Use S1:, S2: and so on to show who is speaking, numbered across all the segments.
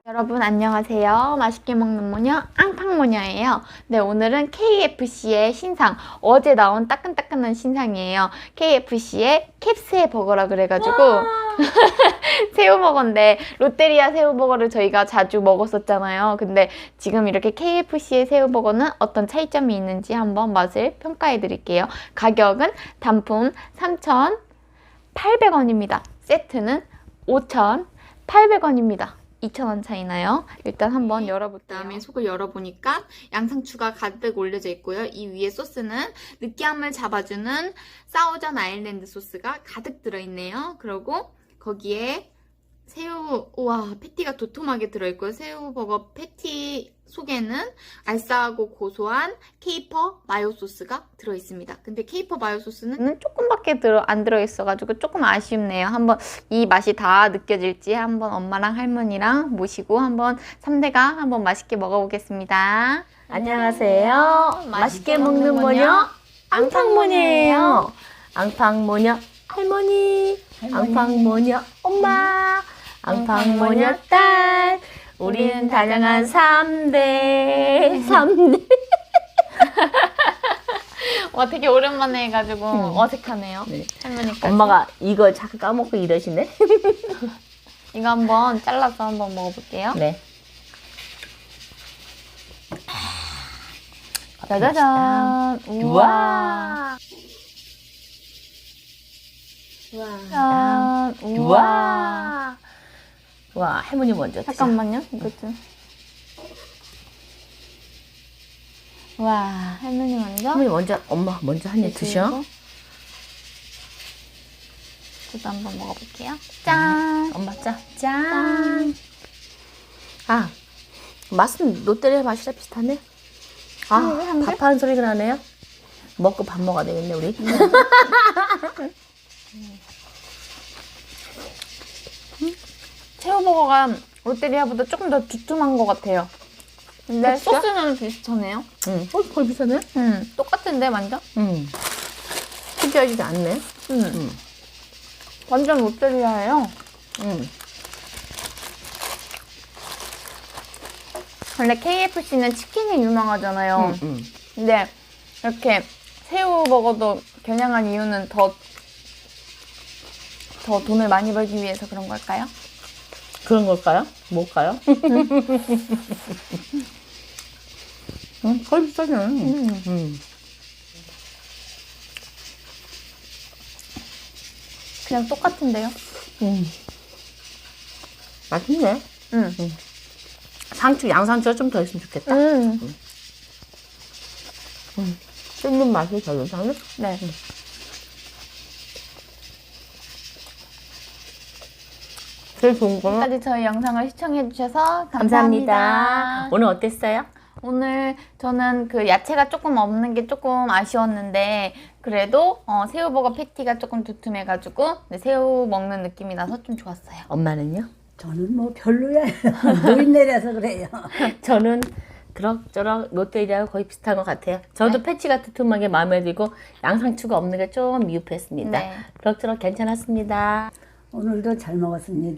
S1: 여러분 안녕하세요. 맛있게 먹는 모녀 앙팡모녀예요. 네, 오늘은 KFC의 신상, 어제 나온 따끈따끈한 신상이에요. KFC의 캡스의 버거라 그래가지고 새우버거인데, 롯데리아 새우버거를 저희가 자주 먹었었잖아요. 근데 지금 이렇게 KFC의 새우버거는 어떤 차이점이 있는지 한번 맛을 평가해 드릴게요. 가격은 단품 3,800원입니다. 세트는 5,800원입니다. 2,000원 차이나요? 일단 한번 열어볼게요. 그다음에 속을 열어보니까 양상추가 가득 올려져 있고요. 이 위에 소스는 느끼함을 잡아주는 사우전 아일랜드 소스가 가득 들어있네요. 그리고 거기에 새우, 우와, 패티가 도톰하게 들어있고요. 새우버거 패티 속에는 알싸하고 고소한 케이퍼 마요 소스가 들어있습니다. 근데 케이퍼 마요 소스는 조금밖에 안 들어있어가지고 조금 아쉽네요. 한번 이 맛이 다 느껴질지 한번 엄마랑 할머니랑 모시고 한번 3대가 한번 맛있게 먹어보겠습니다.
S2: 안녕하세요. 맛있게 먹는 모녀 앙팡모녀예요. 앙팡모녀 할머니, 앙팡모녀 엄마, 앙팡모녀 딸. 우리는 다양한 3대.
S1: 와, 되게 오랜만에 해가지고 어색하네요.
S2: 네.
S1: 할머니까지.
S2: 엄마가 이거 자꾸 까먹고 이러시네.
S1: 이거 한번 잘라서 한번 먹어볼게요.
S2: 네.
S1: 짜자잔.
S2: 우와.
S1: 짠. 우와.
S2: 와, 할머니 먼저 드세요.
S1: 잠깐만요. 이것 좀. 와, 할머니 먼저.
S2: 할머니 먼저, 엄마 먼저 한 입 드셔.
S1: 저도 한번 먹어볼게요. 짠.
S2: 엄마 짠. 아, 맛은 롯데리아 맛이랑 비슷하네. 아, 밥하는 소리가 나네요. 먹고 밥 먹어야 되겠네, 우리.
S1: 새우버거가 롯데리아보다 조금 더 두툼한 것 같아요. 근데
S2: 진짜?
S1: 소스는 비슷하네요.
S2: 거의 비슷하네?
S1: 똑같은데 완전?
S2: 특이하지도 않네.
S1: 완전 롯데리아예요. 원래 KFC는 치킨이 유명하잖아요. 근데 이렇게 새우버거도 겨냥한 이유는 더 돈을 많이 벌기 위해서 그런 걸까요?
S2: 그런 걸까요? 뭘까요? 거의 비슷하네.
S1: 그냥 똑같은데요?
S2: 맛있네. 양상추가 좀 더 있으면 좋겠다. 씹는 맛이 더 괜찮네.
S1: 네.
S2: 제일 좋은 거는
S1: 지금까지 저희 영상을 시청해주셔서
S2: 감사합니다.
S1: 감사합니다.
S2: 오늘 어땠어요?
S1: 오늘 저는 그 야채가 조금 없는 게 조금 아쉬웠는데, 그래도 새우버거 패티가 조금 두툼해가지고 새우 먹는 느낌이 나서 좀 좋았어요.
S2: 엄마는요?
S3: 저는 뭐 별로야. 노인네라서 그래요.
S2: 저는 그럭저럭 롯데리아하고 거의 비슷한 것 같아요. 저도 패치가 두툼하게 마음에 들고 양상추가 없는 게 좀 미흡했습니다.
S1: 네.
S2: 그럭저럭 괜찮았습니다.
S3: 오늘도 잘 먹었습니다.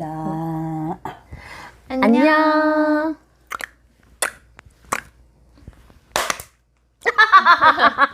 S2: 안녕.